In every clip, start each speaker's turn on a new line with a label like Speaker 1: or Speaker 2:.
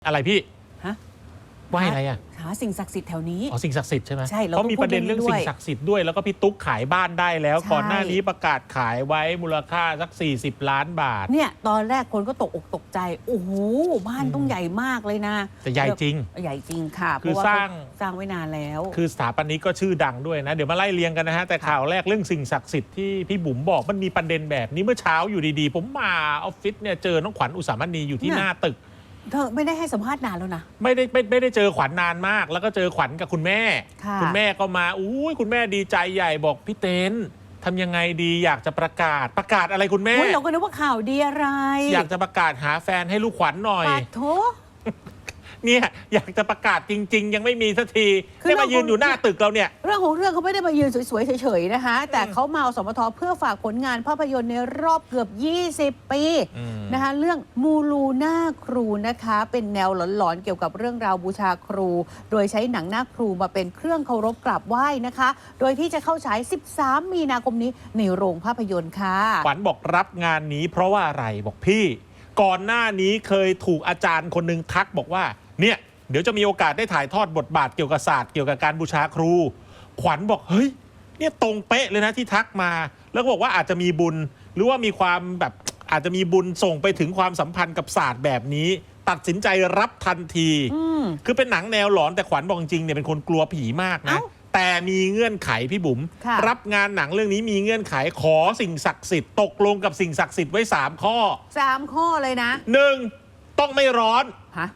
Speaker 1: อะไรพี่
Speaker 2: ฮะ
Speaker 1: ไหว้อะไรอ่ะ
Speaker 2: หาสิ่งศักดิ์สิทธิ์แถวนี้
Speaker 1: อ๋อสิ่งศักดิ์สิทธิ์ใช่ไหม
Speaker 2: ใช่
Speaker 1: เขามีประเด็นเรื่องสิ่งศักดิ์สิทธิ์ด้วยแล้วก็พี่ตุ๊กขายบ้านได้แล้วก่อนหน้านี้ประกาศขายไว้มูลค่าสัก40 ล้านบาท
Speaker 2: เนี่ยตอนแรกคนก็ตกอกตกใจโอ้โหบ้านต้องใหญ่มากเลยนะ
Speaker 1: แต่ใหญ่จริง
Speaker 2: ใหญ่จริงค่ะ
Speaker 1: คือสร้าง
Speaker 2: ไว้นานแล้ว
Speaker 1: คือสถาปนิกก็ชื่อดังด้วยนะเดี๋ยวมาไล่เรียงกันนะฮะแต่ข่าวแรกเรื่องสิ่งศักดิ์สิทธิ์ที่พี่บุ๋มบอกมันมีประเด็นแบบนี้เมื่อเช้าอยู่ดีๆผมมาออฟฟิศเนี่ยเจอน้องขวัญอุสามณีอยู่ที่หน้าตึก
Speaker 2: เธอไม่ได้ให้สัมภาษณ์นานแล้วนะ
Speaker 1: ไม่ได้เจอขวัญนานมากแล้วก็เจอขวัญกับคุณแม่คุณแม่ก็มาอุ้ยคุณแม่ดีใจใหญ่บอกพี่เต้นทำยังไงดีอยากจะประกาศอะไรคุณแม่
Speaker 2: เราก็นึกว่าข่าวดีอะไร
Speaker 1: อยากจะประกาศหาแฟนให้ลูกขวัญหน่อย
Speaker 2: ปาโถ
Speaker 1: เนี่ยอยากจะประกาศจริงๆยังไม่มีสักทีได้มายืนอยู่หน้าตึกเราเนี่ย
Speaker 2: เรื่องของเรื่องเขาไม่ได้มายืนสวยๆเฉยๆนะคะแต่เขามาเอาสมทเพื่อฝากผลงานภาพยนตร์ในรอบเกือบ20 ปีนะคะเรื่องมูลูหน้าครูนะคะเป็นแนวหลอนๆเกี่ยวกับเรื่องราวบูชาครูโดยใช้หนังหน้าครูมาเป็นเครื่องเคารพกราบไหว้นะคะโดยที่จะเข้าฉาย13 มีนาคมนี้ในโรงภาพยนตร์ค่ะ
Speaker 1: ขวัญบอกรับงานนี้เพราะว่าอะไรบอกพี่ก่อนหน้านี้เคยถูกอาจารย์คนหนึ่งทักบอกว่าเนี่ยเดี๋ยวจะมีโอกาสได้ถ่ายทอดบทบาทเกี่ยวกับศาสตร์เกี่ยวกับการบูชาครูขวัญบอกเฮ้ยเนี่ยตรงเป๊ะเลยนะที่ทักมาแล้วก็บอกว่าอาจจะมีบุญหรือว่ามีความแบบอาจจะมีบุญส่งไปถึงความสัมพันธ์กับศาสตร์แบบนี้ตัดสินใจรับทันทีคือเป็นหนังแนวหลอนแต่ขวัญบอกจริงเนี่ยเป็นคนกลัวผีมากนะแต่มีเงื่อนไขพี่บุ๋มรับงานหนังเรื่องนี้มีเงื่อนไขขอสิ่งศักดิ์สิทธิ์ตกลงกับสิ่งศักดิ์สิทธิ์ไว้3 ข้อ
Speaker 2: 3 ข้อเลยนะ
Speaker 1: 1ต้องไม่ร้อน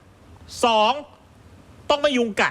Speaker 1: 2ต้องไม่ยุงกัด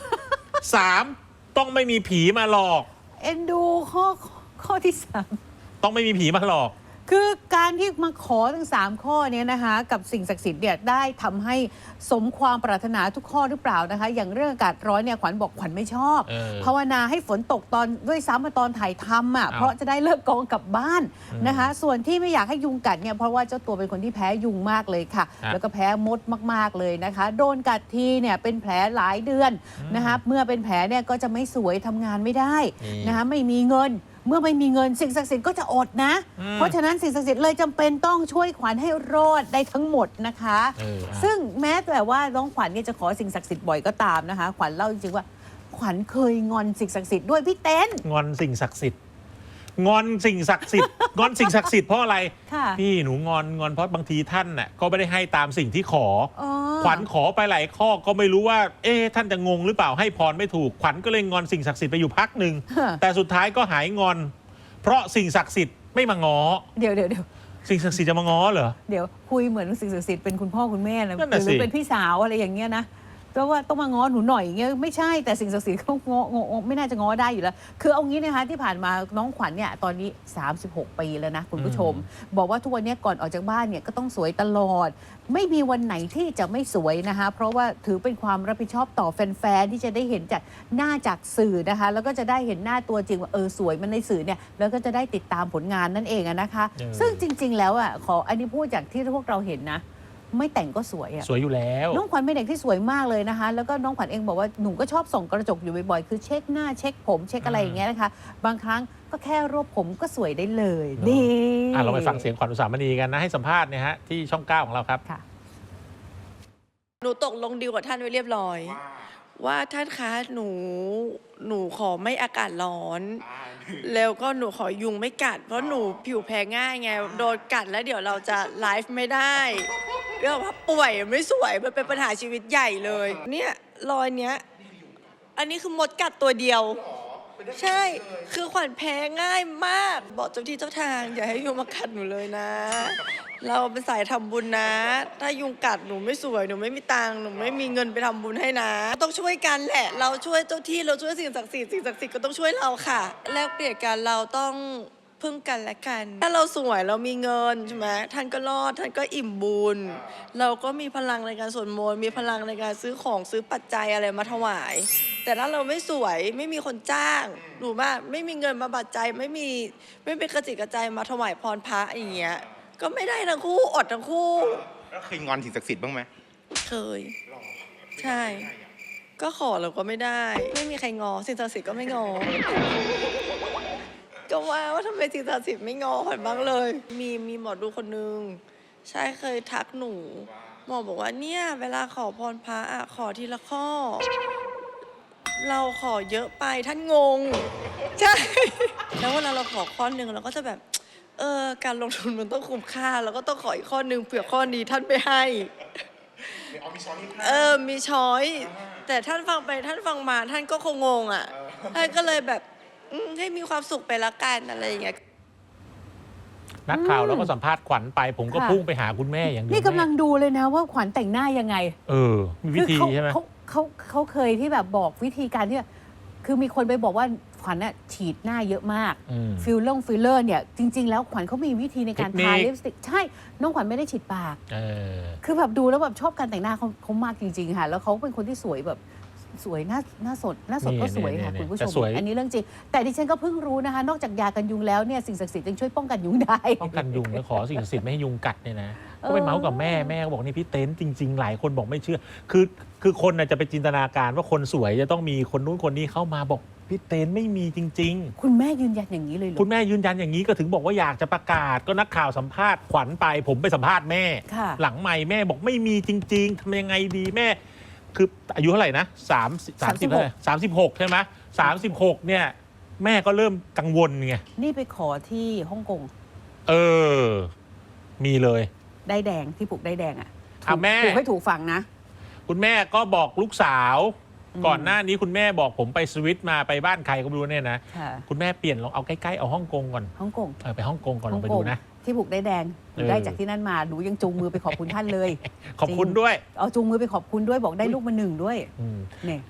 Speaker 1: 3ต้องไม่มีผีมาหลอก
Speaker 2: เอ็นดูข้อที่3
Speaker 1: ต้องไม่มีผีมาหลอก
Speaker 2: คือการที่มาขอทั้ง3 ข้อนี้นะคะกับสิ่งศักดิ์สิทธิ์เนี่ยได้ทำให้สมความปรารถนาทุกข้อหรือเปล่านะคะอย่างเรื่องอากาศร้อนเนี่ยขวัญบอกขวัญไม่ชอบภาวนาให้ฝนตกตอนด้วยซ้ำมาตอนถ่ายทำอ่ะเพราะจะได้เลิกกองกลับบ้านนะคะส่วนที่ไม่อยากให้ยุงกัดเนี่ยเพราะว่าเจ้าตัวเป็นคนที่แพ้ยุงมากเลยค่ะแล้วก็แพ้มดมากๆเลยนะคะโดนกัดทีเนี่ยเป็นแผลหลายเดือนนะคะเมื่อเป็นแผลเนี่ยก็จะไม่สวยทำงานไม่ได้นะคะไม่มีเงินเมื่อไม่มีเงินสิ่งศักดิ์สิทธิ์ก็จะอดนะเพราะฉะนั้นสิ่งศักดิ์สิทธิ์เลยจำเป็นต้องช่วยขวัญให้รอดได้ทั้งหมดนะคะซึ่งแม้แต่ว่าน้องขวัญเนี่ยจะขอสิ่งศักดิ์สิทธิ์บ่อยก็ตามนะคะขวัญเล่าจริงๆว่าขวัญเคยงอนสิ่งศักดิ์สิทธิ์ด้วยพี่เต้น
Speaker 1: งอนสิ่งศักดิ์สิทธิ์งอนสิ่งศักดิ์สิทธิ์งอนสิ่งศักดิ์สิทธิ์เพราะอะไรพี่หนูงอนเพราะบางทีท่านน่ะก็ไม่ได้ให้ตามสิ่งที่ขอขวัญขอไปหลายข้อก็ไม่รู้ว่าท่านจะงงหรือเปล่าให้พรไม่ถูกขวัญก็เลยงอนสิ่งศักดิ์สิทธิ์ไปอยู่พักหนึ่งแต่สุดท้ายก็หายงอนเพราะสิ่งศักดิ์สิทธิ์ไม่มาง้อ
Speaker 2: เดี๋ยว
Speaker 1: สิ่งศักดิ์สิทธิ์จะมาง้อเหรอ
Speaker 2: เดี๋ยวคุยเหมือนสิ่งศักดิ์สิทธิ์เป็นคุณพ่อคุณแม่นะหรือเป็นพี่สาวอะไรอย่างเงี้ยนะเพราะว่าต้องมาง้อหนูหน่อยอย่างเงี้ยไม่ใช่แต่สิ่งศักดิ์สิทธิ์เขาง้อไม่น่าจะง้อได้อยู่แล้วคือเอางี้นะคะที่ผ่านมาน้องขวัญเนี่ยตอนนี้36 ปีแล้วนะคุณผู้ชมบอกว่าทุกวันนี้ก่อนออกจากบ้านเนี่ยก็ต้องสวยตลอดไม่มีวันไหนที่จะไม่สวยนะคะเพราะว่าถือเป็นความรับผิดชอบต่อแฟนๆที่จะได้เห็นจากหน้าจากสื่อนะคะแล้วก็จะได้เห็นหน้าตัวจริงว่าสวยมันในสื่อเนี่ยแล้วก็จะได้ติดตามผลงานนั่นเองนะคะซึ่งจริงๆแล้วขออันนี้พูดจากที่พวกเราเห็นนะไม่แต่งก็สวย
Speaker 1: สวยอยู่แล้ว
Speaker 2: น้องขวัญเป็นเด็กที่สวยมากเลยนะคะแล้วก็น้องขวัญเองบอกว่าหนูก็ชอบส่องกระจกอยู่บ่อยๆคือเช็คหน้าเช็คผมเช็คอะไรอย่างเงี้ยนะคะบางครั้งก็แค่รวบผมก็สวยได้เลยนี่
Speaker 1: เราไปฟังเสียงขวัญอุสามณีกันนะให้สัมภาษณ์เนี่ยฮะที่ช่อง 9ของเราครับ
Speaker 3: หนูตกลงดีลกับท่านไว้เรียบร้อยว่าท่านคะหนูขอไม่อากาศร้อนแล้วก็หนูขอยุงไม่กัดเพราะหนูผิวแพ้ง่ายไงโดนกัดแล้วเดี๋ยวเราจะไลฟ์ไม่ได้เรื่องว่าป่วยไม่สวยมันเป็นปัญหาชีวิตใหญ่เลยเนี่ยรอยเนี้ยอันนี้คือมดกัดตัวเดียวใช่คือขวัญแพ้ง่ายมากบอกเจ้าที่เจ้าทางอย่าให้ยุงมากัดหนูเลยนะเราเป็นสายทำบุญนะถ้ายุงกัดหนูไม่สวยหนูไม่มีตังค์หนูไม่มีเงินไปทำบุญให้นะต้องช่วยกันแหละเราช่วยเจ้าที่เราช่วยสิ่งศักดิ์สิทธิ์สิ่งศักดิ์สิทธิ์ก็ต้องช่วยเราค่ะแลกเปลี่ยนกันเราต้องพึ่งกันและกันถ้าเราสวยเรามีเงินใช่ไหมท่านก็รอดท่านก็อิ่มบุญเราก็มีพลังในการสวดมนต์มีพลังในการซื้อของซื้อปัจจัยอะไรมาถวายแต่ถ้าเราไม่สวยไม่มีคนจ้างหนูว่าไม่มีเงินมาปัจจัยไม่เป็นกระจิตกระใจมาถวายพรพระอย่างเงี้ยก็ไม่ได้ทั้งคู่อดทั้งคู่
Speaker 4: แล้วเคยงอนสิ่งศักดิ์สิทธิ์บ้างไหม
Speaker 3: เคยใช่ก็ขอแล้วก็ไม่ได้ไม่มีใครงอสิ่งศักดิ์สิทธิ์ก็ไม่งอก็ว่าทำไมสิ่งศักดิ์สิทธิ์ไม่งอขวัญบ้างเลยมีหมอดูคนนึงใช่เคยทักหนูหมอบอกว่าเนี่ยเวลาขอพรพระอะขอทีละข้อ เราขอเยอะไปท่านงง ใช่ แล้วเวลาเราขอข้อหนึ่งเราก็จะแบบ การลงทุนมันต้องคุ้มค่าเราก็ต้องขออีกข้อหนึ่งเผื่อข้อนี้ท่านไม่ให้ มีช้อย แต่ท่านฟังไปท่านฟังมาท่านก็คงงงอ่ะท่านก็เลยแบบให้มีความสุขไปละกันอะไรอย่างเงี้ย
Speaker 1: นักข่าวเราก็สัมภาษณ์ขวัญไป ผมก็
Speaker 2: ค่ะ
Speaker 1: พุ่งไปหาคุณแม่อย่างเดียว
Speaker 2: นี่กำลัง
Speaker 1: แม่
Speaker 2: ดูเลยนะว่าขวัญแต่งหน้ายังไง
Speaker 1: มีวิธีใช่ไหม
Speaker 2: เขาเคยที่แบบบอกวิธีการที่คือมีคนไปบอกว่าขวัญน่ะฉีดหน้าเยอะมาก ฟิลเลอร์เนี่ยจริง ๆ แล้วขวัญเขามีวิธีในการทาลิปสติกใช่น้องขวัญไม่ได้ฉีดปาก คือแบบดูแล้วแบบชอบการแต่งหน้าเขามากจริงๆค่ะแล้วเขาเป็นคนที่สวยแบบสวยหน้าสดก็สวยค่ะคุณผู้ชมอันนี้เรื่องจริงแต่ดิฉันก็เพิ่งรู้นะคะนอกจากยากันยุงแล้วเนี่ยสิ่งศักดิ์สิทธิ์ยังช่วยป้องกันยุงได้
Speaker 1: ป้องกันยุงแล้วขอสิ่งศักดิ์สิทธิ์ไม่ให้ยุงกัดเนี่ยนะก็ไปเมาส์กับแม่ก็บอกนี่พี่เต้นจริง ๆ หลายคนบอกไม่เชื่อ คือคนน่ะจะไปจินตนาการว่าคนสวยจะต้องมีคนนู้นคนนี้เข้ามาบอกพี่เต้นไม่มีจริง
Speaker 2: คุณแม่ยืนยันอย่างนี้เลยเหรอ
Speaker 1: ๆ คุณแม่ยืนยันอย่างนี้ก็ถึงบอกว่าอยากจะประกาศก็นักข่าวสัมภาษณ์ขวัญไปผมไปสัมภาษณ์แม่
Speaker 2: ค่ะ
Speaker 1: หลังใหม่แม่บอกไม่มีจริง ๆทำยังไงดีแม่ คืออายุเท่าไหร่นะ36ใช่ไหม36เนี่ยแม่ก็เริ่มกังวลไง
Speaker 2: นี่ไปขอที่ฮ่องกง
Speaker 1: มีเลย
Speaker 2: ได้แดงที่ปลูกได้แดงอ่ะ
Speaker 1: แม่
Speaker 2: ปลูกให้ถูกฝั่งนะ
Speaker 1: คุณแม่ก็บอกลูกสาว ก่อนหน้านี้คุณแม่บอกผมไปสวิตมาไปบ้านใครก็ไม่รู้เนี่ยนะ
Speaker 2: ค่ะ
Speaker 1: คุณแม่เปลี่ยนลองเอาใกล้ๆเอาฮ่องกงก่อน
Speaker 2: ฮ่องกง
Speaker 1: ไปฮ่องกงก่อนลองไปดูนะ
Speaker 2: ที่ปลูกได้แดงหนูได้จากที่นั่นมาหนูยังจูงมือไปขอบคุณท่านเลย
Speaker 1: ขอบคุณด้วย
Speaker 2: เอาจูงมือไปขอบคุณด้วยบอกได้ลูกมา1ด้วย
Speaker 1: อืม
Speaker 2: เนี่ย